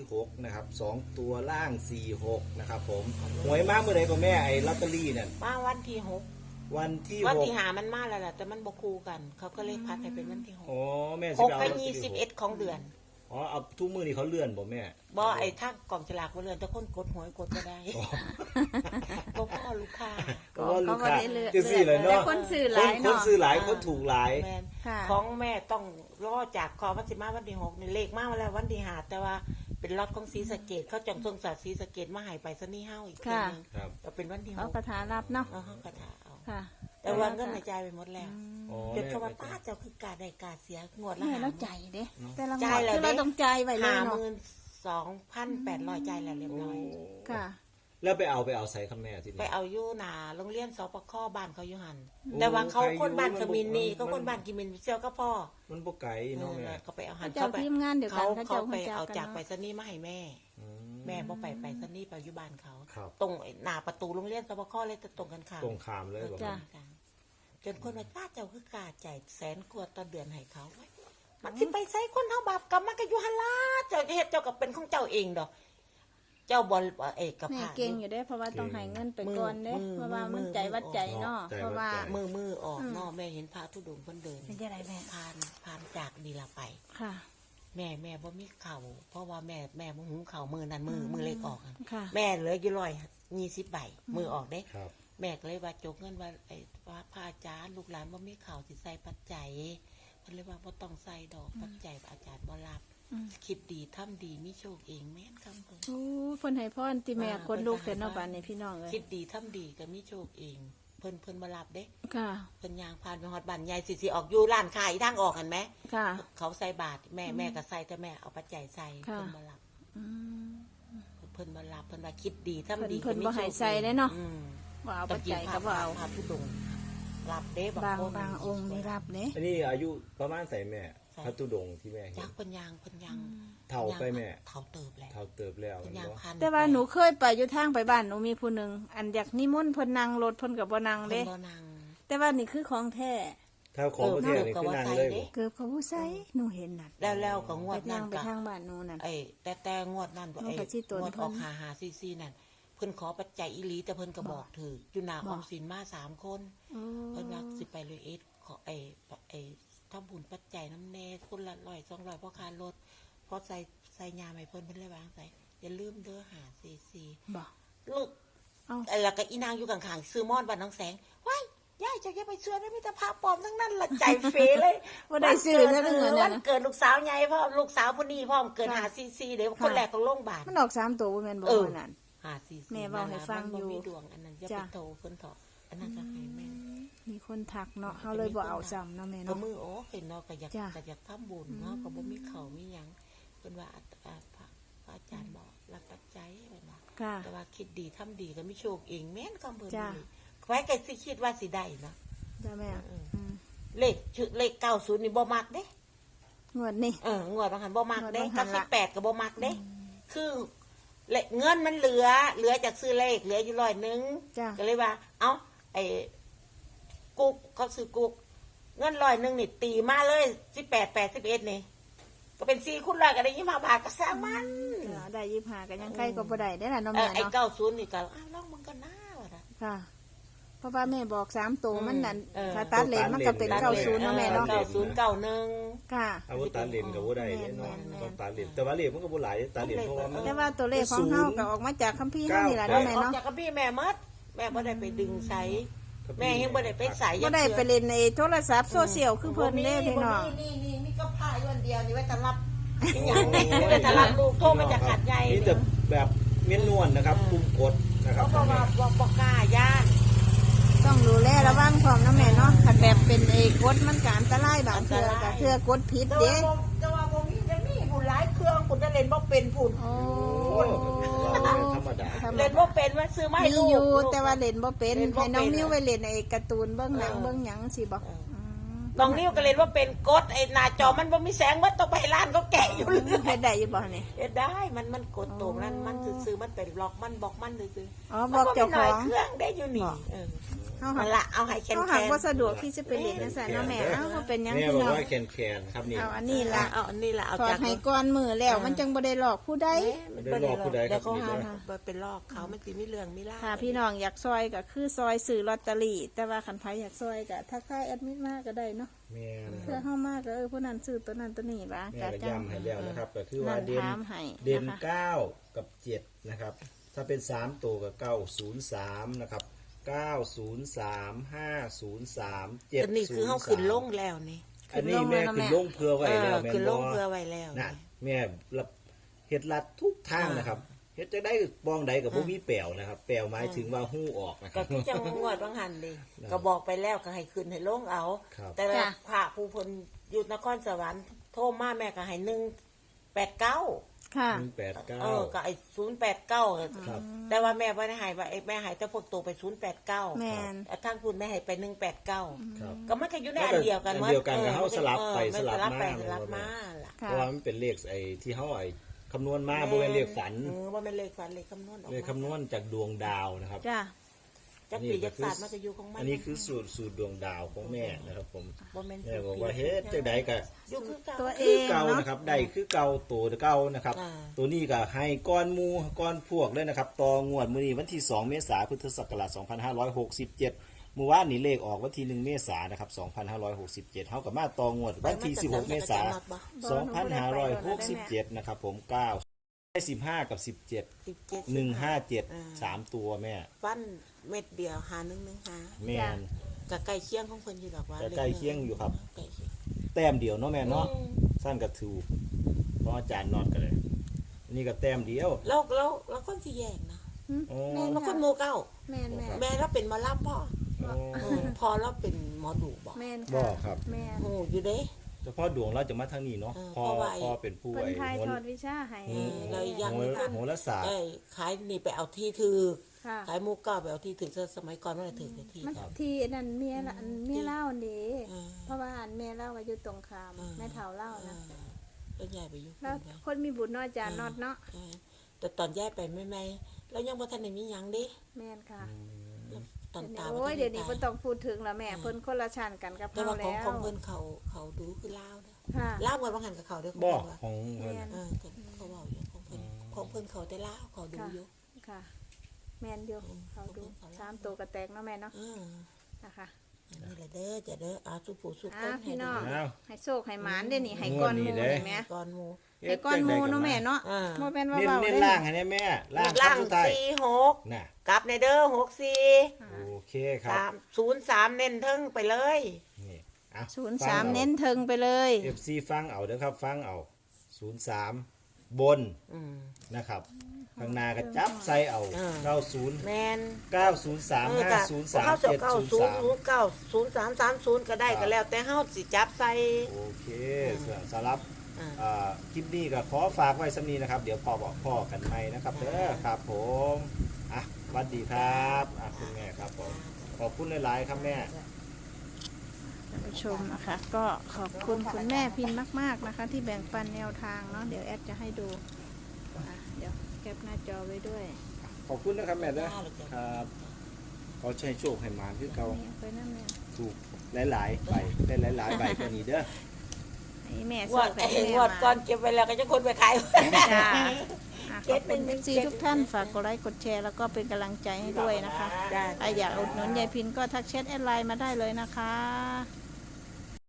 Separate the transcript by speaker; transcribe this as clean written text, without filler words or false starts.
Speaker 1: 6นะครับ2ตัวล่าง46นะครับผมหวยมากเมื่อไหร่ก็แม่ไอ้ลอตเตอรี่เนี่ย
Speaker 2: มาวันที่หก
Speaker 1: วันที่
Speaker 2: วัน
Speaker 1: 6
Speaker 2: ที่หามันมาแล้วแหละแต่มันบคู่กัน เขาก็เลยพัดให้เป็นวันที่หก
Speaker 1: อ๋อแม่
Speaker 2: ห
Speaker 1: สิ
Speaker 2: ก
Speaker 1: ไปเอา
Speaker 2: กั
Speaker 1: ลอตเตอรี่
Speaker 2: 21ของเดือน
Speaker 1: อ๋อเอาทุกมือนี่เขาเลื่อนบ่แม่
Speaker 2: บ่ไอ้ถ้ากล่องฉลากบ่เรือนแต่คนกดหวยกดบ่ได้บ่พอลูกค้า
Speaker 1: ก็ว่าลูกค้า
Speaker 3: ก็บ่ได้เลื่อน
Speaker 1: จะสี่เลย
Speaker 3: แต่
Speaker 1: เนาะ
Speaker 3: คนซื้อหลาย
Speaker 1: คน
Speaker 3: เนาะ
Speaker 1: ซื้อหลายคนถูกหลาย
Speaker 2: แม่น
Speaker 3: ค่ะ
Speaker 2: ของแม่ต้องรอจากคอวันสิมาวันที่6นี่เลขมาแล้ววันที่5แต่ว่าเป็นล็อตของศรีสะเกษเขาจองส่งจากศรีสะเกษมาให้ไปซะนี่เฮาอีกทีนึง
Speaker 1: ครับ
Speaker 2: ก็เป็นวันที่
Speaker 3: เอา
Speaker 2: 6
Speaker 3: คาถารับเนาะ
Speaker 2: เอาเฮากระถาเอา
Speaker 3: ค่ะ
Speaker 2: แต่ว่าเงินในใจายไปหมดแล้ว
Speaker 1: อ๋อ
Speaker 2: จนเขาว่าป้าเจ้าคือกาได้กาเสียงวดละ
Speaker 3: แม่แล้วใจายเด้แต่ละง
Speaker 2: จ่า
Speaker 3: วย ด
Speaker 2: แล้ว
Speaker 3: คือเรา
Speaker 2: เด้
Speaker 3: ต้องจ่ายไว้เลยเนาะ
Speaker 2: 52,800จ่ายแล้วเรียบร้อย
Speaker 3: ค่ะ
Speaker 1: แล้วไปเอาใส่คำแม่ที่
Speaker 2: ไป
Speaker 1: นี่
Speaker 2: เอาอยู่หนาโรงเรียนสปคบ้านเขาอยู่หัน
Speaker 1: โอ้
Speaker 2: แต่ว่าเขา
Speaker 1: ใครอยู่
Speaker 2: คนบ้าน
Speaker 1: มัน
Speaker 2: ขมินนี่
Speaker 1: มัน
Speaker 2: ก็คนบ้านกิมินเซียวก็พ่อ
Speaker 1: มันบ่ไกลเนาะแม่
Speaker 2: ก็ไปเอาหัน
Speaker 3: เจ้าทีมงานเดียวกัน
Speaker 2: เขา
Speaker 3: เขา
Speaker 2: ไป
Speaker 3: เจ้า
Speaker 2: เอา
Speaker 3: รู้จักกัน
Speaker 2: จากไปสนี่มาให้แม่
Speaker 1: อื
Speaker 2: แม่บ่ไปสนี่ไปอยู่บ้านเขา
Speaker 1: ครับ
Speaker 2: ตรงหน้าประตูโรงเรียนสปคเลยตรงกันข้าม
Speaker 1: ตรงข้ามเลยบ่
Speaker 3: จ้ะ
Speaker 1: แม่
Speaker 2: จนคนว่าป้าเจ้าคือกาจ่ายแสนกว่าต่อเดือนให้เขาไว้มันสิไปใส่คนเฮาบาปกรรมมันก็อยู่หั่นล่ะเจ้าจะเฮ็ดเจ้าก็เป็นของเจ้าเองดอก เจ้าบ่เอกกับ
Speaker 3: แม่
Speaker 2: พา
Speaker 3: เก่งอยู่เด้เพราะว่าต้องให้เงินไปก่อนเด้
Speaker 2: มือ
Speaker 3: เพราะว่ามัน
Speaker 2: มือ
Speaker 3: ใจวัดใจเนาะ
Speaker 1: ใจวัดใจ
Speaker 3: เพราะว่า
Speaker 2: มือออกเนาะแม่เห็นพระธุดงค์เพิ่นเดิน
Speaker 3: เป็นยังไงแม่
Speaker 2: ผ่านจากนี่ละไป
Speaker 3: ค่ะ
Speaker 2: แม่บ่มีเข่าเพราะว่าแม่บ่หุงเข่ามือนั้นมือเล็กออกอะ
Speaker 3: ค่ะ
Speaker 2: แม่เหลืออยู่120ใบมือออกเด้
Speaker 1: ครับ
Speaker 2: แม่ก็เลยว่าจกเงินว่าไอ้ว่าพระอาจารย์ลูกหลานบ่มีเข่าสิใส่ปัจจัยเพิ่นเลยว่าบ่ต้องใส่ดอกปัจจัยอาจารย์บ่รับ
Speaker 3: อืม
Speaker 2: คิดดีทำดีมีโชคเองแม่นคำเพิ่น
Speaker 3: โอ้เพิ่นให้พรติแม่คนลูกแต่เนาะบ้านนี้พี่น้องเอ้ย
Speaker 2: คิดดีทำดีก็มีโชคเอง เพิ่นบ่รับเด้
Speaker 3: ค่ะ
Speaker 2: เพิ่นยางผ่านไปฮอดบ้านใหญ่สิออกอยู่ร้านขายทางออกกันไหม
Speaker 3: ค่ะ
Speaker 2: เขาใส่บาตรแม่ก็ใส่แต่แม่เอาปัจจัยใส่
Speaker 3: ค่ะ
Speaker 2: เพิ่นบ่รับ
Speaker 3: อืม
Speaker 2: เพิ่นบ่รับเพิ่นว่าคิดดีทำดี
Speaker 3: เพิ่น
Speaker 2: ก็มี
Speaker 3: บ่ให้
Speaker 2: โชค
Speaker 3: ใส่เด้เนาะ
Speaker 2: อืม
Speaker 3: ว่าเอาปัจจัยก็บ่เอา
Speaker 2: พระธุดงค์รับเด้
Speaker 3: บาง
Speaker 2: คน
Speaker 3: บางองค์นี่รับเด้
Speaker 1: อันนี้อายุประมาณใส่แม่พระตุดงค์ที่แม่เห็
Speaker 2: จั
Speaker 1: น
Speaker 2: กเพิ่นยาง
Speaker 1: เท่าไปแม่
Speaker 2: เท่าเติบแล้ว
Speaker 1: เท่าเติบแล้ว
Speaker 2: เพิ่น
Speaker 1: เห็น
Speaker 2: ยาง
Speaker 1: บ่
Speaker 2: พัน
Speaker 3: แต่ว่าหนูเคยไปอยู่ทางไปบ้านหนูมีผู้หนึงอันอยากนิมนต์เพิ่นนั่งรถเพิ่นก็บ่นั่ง
Speaker 2: เด้
Speaker 3: เด้
Speaker 2: บ่นาง
Speaker 3: แต่ว่านี่คือของแท้
Speaker 1: ถ้าของประเทศนี่คือนั่งเลยบ่
Speaker 3: เกือบเขาผู้ใส่หนูเห็นน่ะ
Speaker 2: แล้วก็งว
Speaker 3: ไป
Speaker 2: ด
Speaker 3: ทา
Speaker 2: นั้
Speaker 3: ง
Speaker 2: น
Speaker 3: ไป
Speaker 2: ก็
Speaker 3: ทางบ้านหนูนั่น
Speaker 2: แต่งวดนั้น
Speaker 3: งวดพระชิตน
Speaker 2: งวดออก
Speaker 3: เพิ่น
Speaker 2: 5 5 4 4นั่นเพิ่นขอปัจจัยอีหลีแต่เพิ่นก็บอกถืออยู่หน้าออมสินมา3คน
Speaker 3: โอ้
Speaker 2: เพิ่นว่าสิไปเลยขอทำบุญปัจจัยน้ำแน่คนละ100 200เพราะค่ารถเพราะใส่ยาให้เพิ่นเพิ่นเลยวางใส่อย่าลืมเด้อ544
Speaker 3: บ่
Speaker 2: ลูก
Speaker 3: เอ้า
Speaker 2: แล้วก็อีนางอยู่ข้างๆซื้อมอนบ้านน้องแสงว้ายยายจะแค่ไปเชื่อได้มีแต่พาปลอมทั้งนั้นละใจเฟเลย
Speaker 3: บ่ได้ซื้อแล้วเงิน
Speaker 2: วั
Speaker 3: น่ะ
Speaker 2: น
Speaker 3: นะ
Speaker 2: เกิดลูกสาวใหญ่พ่อมลูกสาวผู้นี้พ่อมเกิด544เดี๋ยวคนแรกของโรงพยาบาล
Speaker 3: มันออก3ตัวบ่แม่นบ่
Speaker 2: เออ
Speaker 3: ว่านั่น
Speaker 2: 544
Speaker 3: แม่เว้าให้ฟังอยู่
Speaker 2: มันบ่มีดวงอันนั้นอย่าไป
Speaker 3: จ้ะ
Speaker 2: โทรเพิ่นเถาะอันนั้นก็ให้แม่
Speaker 3: มีคนทักเนาะเฮาเลยบ่เอาซ้ำเนาะแม่
Speaker 2: ก็
Speaker 3: เนาะ
Speaker 2: มือโอ้เห็นเนาะก็อยาก
Speaker 3: จ้ะ
Speaker 2: ก็อยากทำบุญเนาะก็บ่มีเขามีหยังเพิ่นว่าพระอาจารย์บอกรับปัจจัยเพิ่นว่า
Speaker 3: ค่ะ
Speaker 2: แต่ว่าคิดดีทำดีก็มีโชคเองแม่นคำเพิ่น
Speaker 3: จ้ะ
Speaker 2: นี่ไว้ก็สิคิดว่าสิได้เนาะ
Speaker 3: จ้าแม่
Speaker 2: เออ
Speaker 3: อืม
Speaker 2: เลข90นี่บ่มักเด้
Speaker 3: งวดนี้
Speaker 2: งวดบางหันบ่มักเด้
Speaker 3: งวดบางหั
Speaker 2: กับ
Speaker 3: นละ
Speaker 2: 18ก็บ่มักเด้ คือเงินมันเหลือจากซื้อเลขเหลืออยู่100
Speaker 3: จ้ะ
Speaker 2: ก็เลยว่า เอ้าไอ้กุ๊กเขาซื้อกุ๊กเงิน100นี่ตีมาเลย18 81นี่ก็เป็น4คูณ100ก็ได้25บาทก็สร้างมัน
Speaker 3: ได้25ก็ยังใกล้ก็บ่ได้ได้ล่ะเนาะ
Speaker 2: ไอ้
Speaker 3: แม่เนาะ
Speaker 2: 90นี่ก็ลองมึงกันหน้าว่าน่ะ
Speaker 3: ค่ะ เพราะว่าแม่บอก3ตัวมันนั่น
Speaker 2: เออ
Speaker 3: ถ้าตัดเลนมันก็เป็น90เนาะแม่เนาะ
Speaker 2: 9091
Speaker 3: ค่ะ
Speaker 1: เอาว่าตาเหรียญก็บ่ได้เด้เนาะ
Speaker 3: แม่น
Speaker 1: ต้องตาเหรียญแต่ว่าเหรียญมันก็บ่หลายตาเหรียญเพราะว่ามัน
Speaker 3: แต่ว่าตัวเลขของเฮาก็ออกมาจากคัมภีร์เฮานี่ล่ะเนาะแม่
Speaker 2: ออก
Speaker 3: เนาะ
Speaker 2: จากกับพี่แม่มดแม่บ่ได้ไปดึงใส่แม่ยังบ่ได้ไปใส่
Speaker 3: บ่ได้ไปเล่นในโทรศัพท์โซเชียลคือเพิ่นเด้พี่น้อง
Speaker 2: นี่มีก็ผ้าอยู่อันเดียวนี่ไว้จะรับอีหยังนี่ไว้จะรับลูกโทรมาจากขัดใหญ่
Speaker 1: นี่จะแบบเม้นนวลนะครับปุ่มกดนะครับ
Speaker 2: เขาบอกว่าบ่กล้าย่าน
Speaker 3: ต้องดูแลระวังพร้อมนะแม่เนาะคันแบบเป็นกดมันก็อันตรายบางเทื่อก็เทื่อกดผิด
Speaker 2: แต่
Speaker 3: เด้
Speaker 2: ว่าบ่มีจะมีผู้หลายเครื่องคุณจะเล่นบ่เป็นผู้
Speaker 3: โอ้
Speaker 1: โอ้เราธรรมดา
Speaker 2: เล่นบ่เป็นว่าซื้อมาให้
Speaker 3: มี
Speaker 2: ลูก
Speaker 3: อยู่แต่ว่าเล่นบ่เป็น
Speaker 2: เล่นบ่
Speaker 3: ให้น้อง
Speaker 2: เป็น
Speaker 3: นิ้วไปเล่นไอ้การ์ตูนเบิ่งหนัง
Speaker 2: เออ
Speaker 3: เบิ่งหยังสิบ่
Speaker 2: น้องนิ้วก็เล่นว่าเป็นกดไอ้หน้าจอมันบ่มีแสงมันต้องไปร้านเขาแกะอยู่เลย
Speaker 3: เฮ็ดได้อยู่บ่นี่
Speaker 2: เอ็ดได้มันกดตรงนั้นมันซื้อมันเป็นบล็อกมันซื่อ
Speaker 3: อ๋อ
Speaker 2: ๆ
Speaker 3: บอกเจ้า
Speaker 2: มัน
Speaker 3: ข
Speaker 2: บ่มีหน่
Speaker 3: อ
Speaker 2: อย
Speaker 3: ง
Speaker 2: เครื่องได้อยู่นี่
Speaker 3: บอก
Speaker 2: เออ
Speaker 3: เฮา
Speaker 2: มั
Speaker 3: หั
Speaker 2: น
Speaker 3: ก
Speaker 2: ละเอาให้แคน
Speaker 3: เฮา
Speaker 2: แค
Speaker 3: หัก
Speaker 2: น
Speaker 3: บ่สะดวกที่จะไปเล่นจังซั่นเนาะแม่เอ้าบ่เป็นหยัง
Speaker 1: แม่
Speaker 3: พี่
Speaker 1: บอก
Speaker 3: น้อง
Speaker 1: ว่าแคนครับนี่
Speaker 3: เอาอันนี้ล่ะ
Speaker 2: เอาอันนี้ละเอา
Speaker 3: ถอ
Speaker 2: จา
Speaker 3: ด
Speaker 2: ก
Speaker 3: ให้ก่อนมือแล้วมันจังบ่ได้หลอกผู้ใด
Speaker 1: ไม่ได้รอผู้ใดครับ
Speaker 2: เดี๋ยวเขา
Speaker 1: นี่
Speaker 2: หา
Speaker 1: เด้อ
Speaker 2: เป็นลอกเขามันสิมีเรื่องมีล่าว
Speaker 3: ถ้าพี่น้องอยากซอยก็คือซอยซื้อลอตเตอรี่แต่ว่าคันไผอยากซอยก็ทักทายแอดมิดมาก็ได้เนาะ
Speaker 1: แม่น
Speaker 3: เพื่อเฮามาก็ผู้นั้นซื้อตัวนั้นตัวนี้ล่ะ
Speaker 1: แม่ก็ย้ำให้แล้วนะครับก็คือว่า
Speaker 3: นั่น
Speaker 1: เด่น
Speaker 3: ถามให้
Speaker 1: เด่น
Speaker 3: นะคะ
Speaker 1: 9 กับ 7 นะครับ ถ้าเป็น 3 ตัวกับ903 นะครับ 903 503
Speaker 2: อันนี้คือเขาขึ้นลงแล้วนี่
Speaker 1: อันนี้แม่ขึ้นลงเพื่อไว้แล้วแม่
Speaker 2: ขึ้นลง
Speaker 1: บ่
Speaker 2: เพื่อไว้แล้ว
Speaker 1: น่ะแม่รับเฮ็ดลัดทุกทางนะครับเฮ็ดจะได้ปองใดกับบ่มีแปลวนะครับแปลวหมายถึงว่าหู้ออกนะค
Speaker 2: ก็
Speaker 1: รับ
Speaker 2: ที่จังงวดบางหันดิก็บอกไปแล้วก็ให้ขึ้นให้ลงเอา
Speaker 1: ครับ
Speaker 2: แต่ว่าพระผู้เพนอยู่นครสวรรค์โทรมาแม่ก็ให้189
Speaker 3: ค่ะ
Speaker 2: ก็ไอ้089
Speaker 1: ครับ
Speaker 2: แต่ว่าแม่บ่ได้ให้ว่าไอ้แม่ให้แต่พวกตัวไป089
Speaker 3: แม่น
Speaker 2: ทางคุณแม่ให้ไป189
Speaker 1: ครับ
Speaker 2: ก็มันก็อยู่ในอันเดียวกัน
Speaker 1: อันเดียวกันกับเฮาสลับไป
Speaker 2: มัน
Speaker 1: สลับมา
Speaker 2: สลับมาล่ะ
Speaker 3: ค่ะ
Speaker 1: เพราะว่ามันเป็นเลขไอ้ที่เฮาไอ้คำนวณมาบ่แม่นเลขฝัน
Speaker 2: ว่าเป็นเลขฝันเลขคำนวณออก
Speaker 1: เลขคำนวณจากดวงดาวนะครับ
Speaker 3: จ้า
Speaker 2: จักปีจักศาสตร์มันก็อยู่ของมัน
Speaker 1: อันนี้คือสูตรดวงดาวของแม่นะครับผม
Speaker 2: บ่แม่น
Speaker 1: แม่บอกว่าเฮ็ดจังไดก็
Speaker 2: อยู่คือเก่า
Speaker 3: ตัวเอ
Speaker 1: คือง เก่า
Speaker 3: เนาะ
Speaker 1: นะครับได้คือเก่าตัวเก่านะครับ
Speaker 2: อ่า
Speaker 1: ตัวนี้ก็ให้ก้อนหมูก้อนพวกเลยนะครับต่องวดมื้อนี้วันที่ 2 เมษายนพุทธศักราช 2567 เมื่อวานนี้เลขออกวันที่ 1 เมษายนนะครับ 2567เฮาก็มาต่องวดวันที่ 16 เมษายน 2567 นะครับผม9 15 กับ 17 157 3 ตัวแม่
Speaker 2: ฟันเม็ดเดียว5115
Speaker 1: แม่น
Speaker 2: ก็ใกล้เคียงของเพิ่นอยู่ดอกว่า
Speaker 1: ก็ใกล้เคียงอยู่ครับ
Speaker 2: ใกล้เคียง
Speaker 1: แต้มเดียวเนาะแม่เนาะสั้นก็ถูกเพราะอาจารย์นอดกันเลยอันนี่ก็แต้มเดียว
Speaker 2: แล้วคนสิแยกนะ
Speaker 1: โอ้
Speaker 2: แล้วคนหมู่เก้า
Speaker 3: แม่นแม่
Speaker 2: แม่เราเป็นหมอลำพ่อ
Speaker 1: โอ้
Speaker 2: พอเราเป็นหมอดูบอก
Speaker 3: แม่น
Speaker 1: บ่
Speaker 3: ค่ะ
Speaker 1: ครับ
Speaker 3: แม่น
Speaker 2: โอ้อยู่เด้
Speaker 1: เฉพาะดวงเราจะมาทางนี้เนาะพอ
Speaker 2: เพราะว่า
Speaker 1: พอเป็นผู้
Speaker 3: เพิ่น
Speaker 1: ไอ้
Speaker 3: ทาย
Speaker 1: โห
Speaker 3: ท
Speaker 1: ร
Speaker 3: อดวิชาให้
Speaker 2: เรายัง
Speaker 1: โหราศาสตร์
Speaker 2: ได้ขายนี่ไปเอาที่ถือ
Speaker 3: ค่ะ
Speaker 2: ขายหมูเก้าไปเอาที่ถือสมัยก่อนมันถือที่
Speaker 3: มันที่นั่นเมียละอันเมียเล่านี่
Speaker 2: อืม
Speaker 3: เพราะว่าอันเมียเล่าว่าอยู่ตรงข้ามแม่เฒ่าเล่านะ
Speaker 2: แล้วยายไปอยู่
Speaker 3: แล้วคนมีบุญน้อยจานนอดเนาะ
Speaker 2: แต่ตอนยายไปไม่แล้วยังบ่ทันได้มีหยังเด้
Speaker 3: แม่นค่ะ
Speaker 2: ตอน
Speaker 3: เดี๋ยว
Speaker 2: ตา
Speaker 3: นี้โอ้ยเดี๋ยวนี้บ่ต้องพูดถึงแล้วแม่เพิ่นคนละชั้นกันกับ
Speaker 2: แต่
Speaker 3: เฮา
Speaker 2: ว่าของ
Speaker 3: แล้ว
Speaker 2: เพิ่นเขาดูคือลาวเด้อ
Speaker 3: ค่ะ
Speaker 2: ลาวกันบางหันกับเขาเด้อ
Speaker 1: บ่
Speaker 2: ว่า
Speaker 1: ของเพิ่น
Speaker 3: แม่น
Speaker 2: เขาเว้าอยู่ของเพิ่นเขาแต่ลาวเขาดูอยู่
Speaker 3: ค่ะ แม่นอยู่เขาดู3ตัวกระแตกเนาะแม่เนาะนะคะ
Speaker 2: นี่แหละเด้อจะเด้ออาสุผู้สุค
Speaker 3: อ่าน พี่น้อง
Speaker 1: อ้าว
Speaker 3: ให้โชคให้หมานเด้อนี่ให้ก้อนหมู
Speaker 1: งวดนี้เด้
Speaker 3: นี่แม่
Speaker 2: ก่อนหมู่
Speaker 3: ให้ก้อนหมูเนาะแม่เนาะ
Speaker 2: อ่า
Speaker 3: บ่แม่นว่า
Speaker 1: เน้น
Speaker 3: เบา
Speaker 1: เน้น
Speaker 3: ได้
Speaker 1: ล่างให้แน่แม่ล่าง
Speaker 2: ล่าง
Speaker 1: สุดท้าย
Speaker 2: 46
Speaker 1: น่ะ
Speaker 2: กลับในเด้อ64
Speaker 1: โอเคครับ
Speaker 2: 03เน้นเทิงไปเลย
Speaker 1: นี่อ่ะ
Speaker 3: 03เน้นเทิงไปเลย
Speaker 1: FC ฟังเอาเด้อครับฟังเอา03บน
Speaker 2: อืม
Speaker 1: นะครับข้างหน้าก็จับใส่เอา 90
Speaker 2: แมน
Speaker 1: 903 503
Speaker 2: เข้าจะ
Speaker 1: 703
Speaker 2: 900330ก็ได้ก็แล้ว แต่เฮาสิจับใส่
Speaker 1: โอเคสำหรับ
Speaker 2: อ่า
Speaker 1: คลิปนี้ก็ขอฝากไว้สำนีนะครับ เดี๋ยวพ่อบอกพ่อกันใหม่นะครับเด้อครับผมอ่ะสวัสดีครับคุณแม่ครับผมขอบคุณหลายๆครับแม่
Speaker 3: ท่านผู้ชมนะคะ ก็ขอบคุณคุณแม่พินมาก ๆนะคะ ที่แบ่งปันแนวทางเนาะเดี๋ยวแอดจะให้ดูเดี๋ยวแคปหน้าจอไว้ด้วย
Speaker 1: ขอบคุณนะครับแม่เด้อครับเขาใช้โชคให้หมาคือเก่า
Speaker 3: นี่ไปนั่นเนี่ย
Speaker 1: ถูกหลายๆใบได้หลายๆใบกว่านี้เด้อ
Speaker 3: ให้แม่
Speaker 2: ง
Speaker 3: โช
Speaker 2: วด
Speaker 3: คให้แม่
Speaker 2: งวด
Speaker 3: มา
Speaker 2: ก่อนเก็บไว้แล้วก็จะคนไปขาย
Speaker 3: จ้าขอบคุณซีทุกท่านฝากกดไลค์กดแชร์แล้วก็เป็นกำลังใจให้ด้วยนะคะ
Speaker 2: ได้
Speaker 3: ใครอยากอุดหนุนยายพินก็ทักแชทแอดไลน์มาได้เลยนะคะ